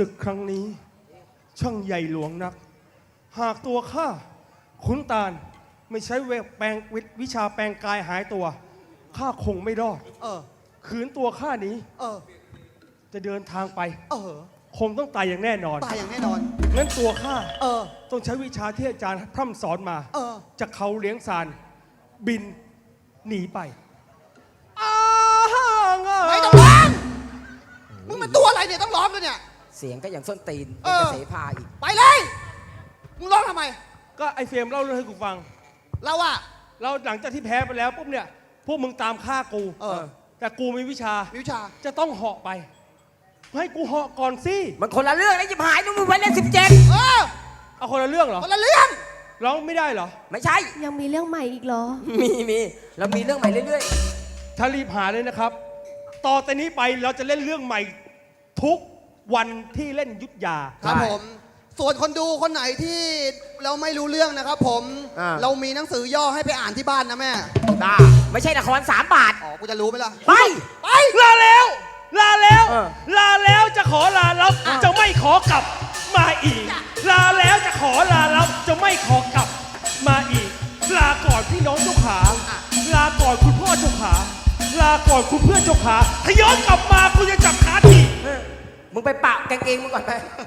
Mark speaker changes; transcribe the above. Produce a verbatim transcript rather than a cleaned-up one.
Speaker 1: ศึกครั้งนี้ ช่างใหญ่หลวงนัก หากตัวข้าขุนตาลไม่ใช้เวทแปลงวิชาแปลงกายหายตัวข้าคงไม่รอด
Speaker 2: เออ
Speaker 1: ขืนตัวข้านี้
Speaker 2: เออ
Speaker 1: จะเดินทางไป
Speaker 2: เออ
Speaker 1: คงต้องตายอย่างแน่นอน
Speaker 2: ตายอย่างแน่นอน
Speaker 1: งั้นตัวข้า
Speaker 2: เออ
Speaker 1: ต้องใช้วิชาที่อาจารย์พร่ำสอนมา
Speaker 2: เออ
Speaker 1: จากเขาเลี้ยงซานบินหนีไปอ้า
Speaker 2: ไม่ต้องร้องมึงมันตัวอะไรเนี่ยต้องร้องด้วยเนี่ย
Speaker 3: เสียงก็อย่างส้นตีน
Speaker 2: เอ
Speaker 3: เป็น
Speaker 2: อ
Speaker 3: กระเสพาอีก
Speaker 2: ไปเลย มึงร้องทำไม
Speaker 1: ก็ไอเฟรมเล่าเรื่องให้กูฟัง
Speaker 2: เราอะ
Speaker 1: เราหลังจากที่แพ้ไปแล้วปุ๊บเนี่ยพวกมึงตามฆ่ากู
Speaker 2: เออ
Speaker 1: แต่กูมีวิชา
Speaker 2: วิชา
Speaker 1: จะต้องเหาะไป ให้กูเหาะก่อนสิ
Speaker 3: มันคนละเรื่องนะยิบหายนุ่มงไว้เล่นสิบเจ็ด
Speaker 2: เออ
Speaker 1: เอาคนละเรื่องเหรอ
Speaker 2: คนละเรื่อง
Speaker 1: ร้องไม่ได้เหรอ
Speaker 3: ไม่ใช่
Speaker 4: ยังมีเรื่องใหม่อีกเหรอ
Speaker 3: มีมีเรามีเรื่องใหม่เรื่อย
Speaker 1: ถ้ารีบหาเลยนะครับ ต่อแต่นี้ไปเราจะเล่นเรื่องใหม่ทุกวันที่เล่นยุทธยา
Speaker 2: ครับผม ส่วนคนดูคนไหนที่เราไม่รู้เรื่องนะครับผม เรามีหนังสือย่อให้ไปอ่านที่บ้านนะแม่
Speaker 3: ๆบ้าไม่ใช่ละครสามบาท
Speaker 2: อ๋อ กูจะรู้ไหมล่ะ
Speaker 3: ไป
Speaker 2: ไป
Speaker 1: ลาแล้ว ลาแล้ว
Speaker 3: เออ
Speaker 1: ลาแล้วจะขอลารับจะไม่ขอกลับมาอีก ลาแล้วจะขอลารับจะไม่ขอกลับมาอีก ลาก่อนพี่น้องเจ้าขา ลาก่อนคุณพ่อเจ้าขา ลาก่อนคุณเพื่อนเจ้าขาถ้าย้อนกลับมากูจะจับขาที
Speaker 3: เออมึงไปปะกางเกงมึงก่อนไป